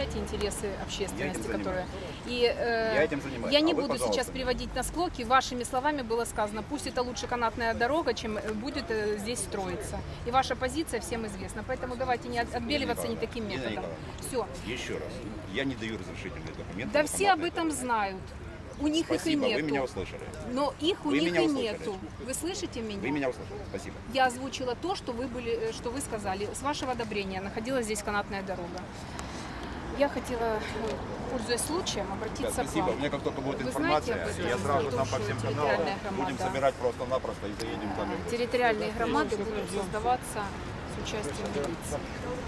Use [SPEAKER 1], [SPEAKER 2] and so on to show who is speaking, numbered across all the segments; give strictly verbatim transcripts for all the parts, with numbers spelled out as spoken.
[SPEAKER 1] представляете интересы общественности,
[SPEAKER 2] Я
[SPEAKER 1] которые... И э,
[SPEAKER 2] Я этим занимаюсь.
[SPEAKER 1] я не
[SPEAKER 2] А вы,
[SPEAKER 1] буду
[SPEAKER 2] пожалуйста.
[SPEAKER 1] сейчас приводить на склоки. Вашими словами было сказано, пусть это лучше канатная дорога, чем будет э, здесь строиться. И ваша позиция всем известна. Поэтому давайте не от- отбеливаться не таким
[SPEAKER 2] Нина
[SPEAKER 1] методом.
[SPEAKER 2] Николаевна,
[SPEAKER 1] Все.
[SPEAKER 2] Еще раз, я не даю разрешительные документы.
[SPEAKER 1] Да
[SPEAKER 2] на
[SPEAKER 1] все об
[SPEAKER 2] канатные
[SPEAKER 1] этом
[SPEAKER 2] дороги.
[SPEAKER 1] знают. У них
[SPEAKER 2] Спасибо,
[SPEAKER 1] их и
[SPEAKER 2] вы меня
[SPEAKER 1] нету.
[SPEAKER 2] услышали.
[SPEAKER 1] Но их у
[SPEAKER 2] Вы
[SPEAKER 1] них
[SPEAKER 2] меня
[SPEAKER 1] и
[SPEAKER 2] услышали.
[SPEAKER 1] нету. Вы слышите меня?
[SPEAKER 2] Вы меня услышали. Спасибо.
[SPEAKER 1] Я озвучила то, что вы, были, э, что вы сказали. С вашего одобрения находилась здесь канатная дорога. Я хотела, э, пользуясь случаем,
[SPEAKER 2] Да,
[SPEAKER 1] обратиться
[SPEAKER 2] спасибо.
[SPEAKER 1] к
[SPEAKER 2] У
[SPEAKER 1] вам.
[SPEAKER 2] меня как только будет
[SPEAKER 1] Вы
[SPEAKER 2] информация,
[SPEAKER 1] знаете об этом?
[SPEAKER 2] я сразу
[SPEAKER 1] О том,
[SPEAKER 2] там по
[SPEAKER 1] что
[SPEAKER 2] всем
[SPEAKER 1] территориальная
[SPEAKER 2] каналам будем
[SPEAKER 1] громада-
[SPEAKER 2] собирать просто-напросто и заедем там.
[SPEAKER 1] Территориальные громады будут создаваться с участием милиции.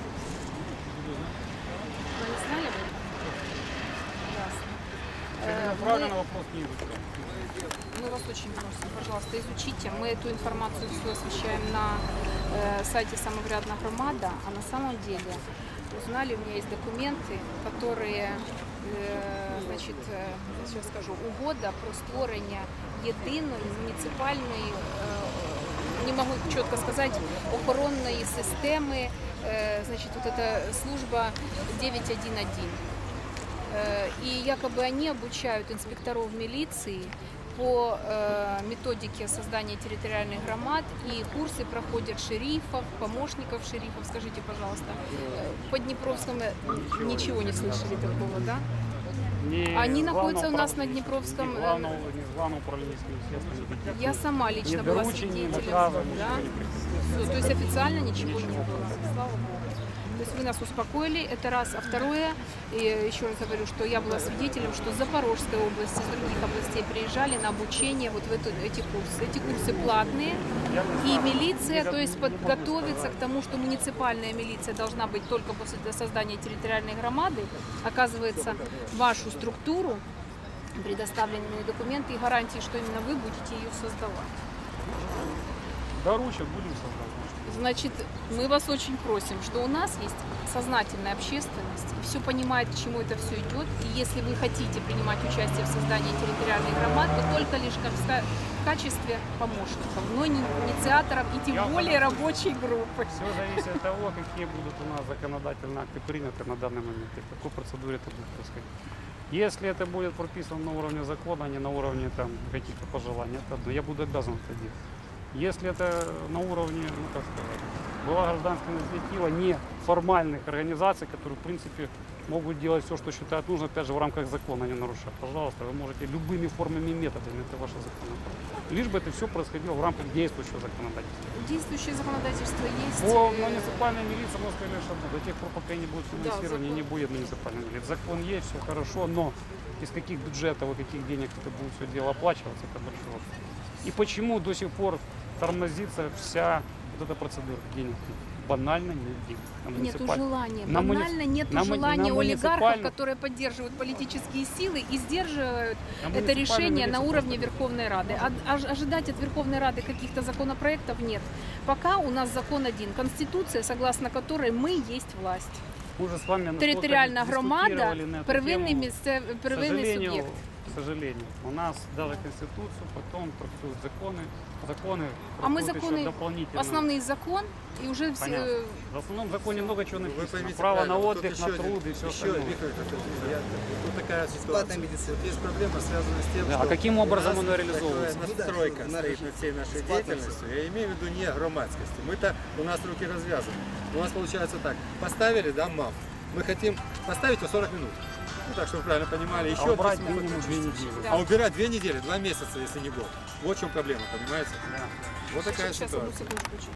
[SPEAKER 1] Вы не знали об этом? Ясно. Э,
[SPEAKER 3] Правильно,
[SPEAKER 1] мы-
[SPEAKER 3] вопрос не изучаем.
[SPEAKER 1] Мы вас очень просим, пожалуйста, изучите. Мы эту информацию всю освещаем на э, сайте «Самоврядна громада», а на самом деле узнали, у меня есть документы, которые, е, значить, е, сейчас скажу, угода про створення єдиної муніципальної, е, не могу чітко сказати, охоронної системи, е, значить, вот эта служба девять один один. Э, И якобы они обучают инспекторов милиции по э, методике создания территориальных громад, и курсы проходят шерифов, помощников шерифов. Скажите, пожалуйста, э, по Днепровскому ничего, ничего не слышали такого, да?
[SPEAKER 3] Не
[SPEAKER 1] Они находятся у
[SPEAKER 3] главного
[SPEAKER 1] нас
[SPEAKER 3] управ-
[SPEAKER 1] на Днепровском,
[SPEAKER 3] Не
[SPEAKER 1] э,
[SPEAKER 3] главного, не с главного управления естественно.
[SPEAKER 1] Я сама лично
[SPEAKER 3] Ни
[SPEAKER 1] была
[SPEAKER 3] доручений, ни
[SPEAKER 1] свидетелем,
[SPEAKER 3] наказов,
[SPEAKER 1] да?
[SPEAKER 3] ничего не приходило.
[SPEAKER 1] Всё, то есть официально ничего не было, слава Богу. То есть вы нас успокоили, это раз. А второе, и еще раз говорю, что я была свидетелем, что с Запорожской области, с других областей приезжали на обучение вот в эту, эти курсы. Эти курсы платные, и милиция, то есть подготовиться к тому, что муниципальная милиция должна быть только после создания территориальной громады, оказывается, вашу структуру, предоставленные документы и гарантии, что именно вы будете ее создавать.
[SPEAKER 3] Доручат, будем создавать.
[SPEAKER 1] Значит, мы вас очень просим, что у нас есть сознательная общественность, и все понимает, к чему это все идет. И если вы хотите принимать участие в создании территориальных громад, то только лишь как в ка- в качестве помощников, но не инициаторов и тем
[SPEAKER 3] Я
[SPEAKER 1] более
[SPEAKER 3] понял.
[SPEAKER 1] рабочей группы.
[SPEAKER 3] Все зависит от того, какие будут у нас законодательные акты приняты на данный момент и в какой процедуре это будет происходить. Если это будет прописано на уровне закона, а не на уровне там каких-то пожеланий, это одно. Я буду обязан это делать. Если это на уровне, ну как сказать, была гражданская инициатива неформальных организаций, которые в принципе могут делать все, что считают нужно, опять же в рамках закона, не нарушая. Пожалуйста, вы можете любыми формами и методами, это ваше законодательство. Лишь бы это все происходило в рамках действующего законодательства.
[SPEAKER 1] Действующее законодательство есть.
[SPEAKER 3] По
[SPEAKER 1] э,
[SPEAKER 3] муниципальной милиции мы сказали, что до тех пор, пока не будет финансирования,
[SPEAKER 1] закон.
[SPEAKER 3] не будет муниципальной милиции. Закон есть, все хорошо, но из каких бюджетов и каких денег это будет все дело оплачиваться, это большой вопрос. И почему до сих пор тормозится вся вот эта процедура денег? Банально нет денег. На
[SPEAKER 1] Нету
[SPEAKER 3] муниципаль-
[SPEAKER 1] желания.
[SPEAKER 3] на муни-
[SPEAKER 1] Банально нету
[SPEAKER 3] на му-
[SPEAKER 1] желания
[SPEAKER 3] на
[SPEAKER 1] олигархов,
[SPEAKER 3] муниципальную-
[SPEAKER 1] которые поддерживают политические силы и сдерживают
[SPEAKER 3] На
[SPEAKER 1] это
[SPEAKER 3] муниципальную
[SPEAKER 1] решение на
[SPEAKER 3] милицию
[SPEAKER 1] уровне
[SPEAKER 3] просто-
[SPEAKER 1] Верховной Рады. А- ож- ожидать от Верховной Рады каких-то законопроектов нет. Пока у нас закон один. Конституция, согласно которой мы есть власть.
[SPEAKER 3] Мы уже с вами настолько
[SPEAKER 1] Територіальна громада,
[SPEAKER 3] дискутировали на эту
[SPEAKER 1] первинний,
[SPEAKER 3] тему.
[SPEAKER 1] місце,
[SPEAKER 3] К
[SPEAKER 1] первинний
[SPEAKER 3] сожалению,
[SPEAKER 1] суб'єкт.
[SPEAKER 3] к сожалению, у нас даже Конституцию, потом трактуют законы, законы
[SPEAKER 1] А мы
[SPEAKER 3] трактуют еще
[SPEAKER 1] законы,
[SPEAKER 3] дополнительно.
[SPEAKER 1] основный закон, и уже все...
[SPEAKER 3] Понятно. В основном законе много чего
[SPEAKER 4] Вы
[SPEAKER 3] написано.
[SPEAKER 4] поймите
[SPEAKER 3] Право на
[SPEAKER 4] правильно,
[SPEAKER 3] отдых,
[SPEAKER 4] тут
[SPEAKER 3] на
[SPEAKER 4] еще
[SPEAKER 3] труд
[SPEAKER 4] один-
[SPEAKER 3] и все
[SPEAKER 4] еще,
[SPEAKER 3] остальное.
[SPEAKER 4] Виктор Константинович, я- тут такая
[SPEAKER 5] Бесплатная
[SPEAKER 4] ситуация.
[SPEAKER 5] медицина.
[SPEAKER 4] Вот есть проблема, связанная с тем,
[SPEAKER 3] Да,
[SPEAKER 4] что
[SPEAKER 3] а каким образом
[SPEAKER 4] у нас
[SPEAKER 3] оно реализовывается?
[SPEAKER 4] такая
[SPEAKER 5] Ну да,
[SPEAKER 4] настройка
[SPEAKER 5] что
[SPEAKER 4] стоит над всей нашей
[SPEAKER 5] бесплатно
[SPEAKER 4] деятельностью. Я имею в виду не громадскости. Мы-то, у нас руки развязаны. У нас получается так, поставили, да, МАФ. Мы хотим поставить его сорок минут. Ну так, чтобы вы правильно понимали, еще
[SPEAKER 3] А убрать
[SPEAKER 4] десять минут.
[SPEAKER 3] минимум две недели.
[SPEAKER 1] Да.
[SPEAKER 4] А убирать две недели, два месяца, если не год. Вот в чем проблема, понимаете?
[SPEAKER 3] Да.
[SPEAKER 4] Вот такая
[SPEAKER 1] Сейчас, одну
[SPEAKER 4] ситуация.
[SPEAKER 1] секундочку.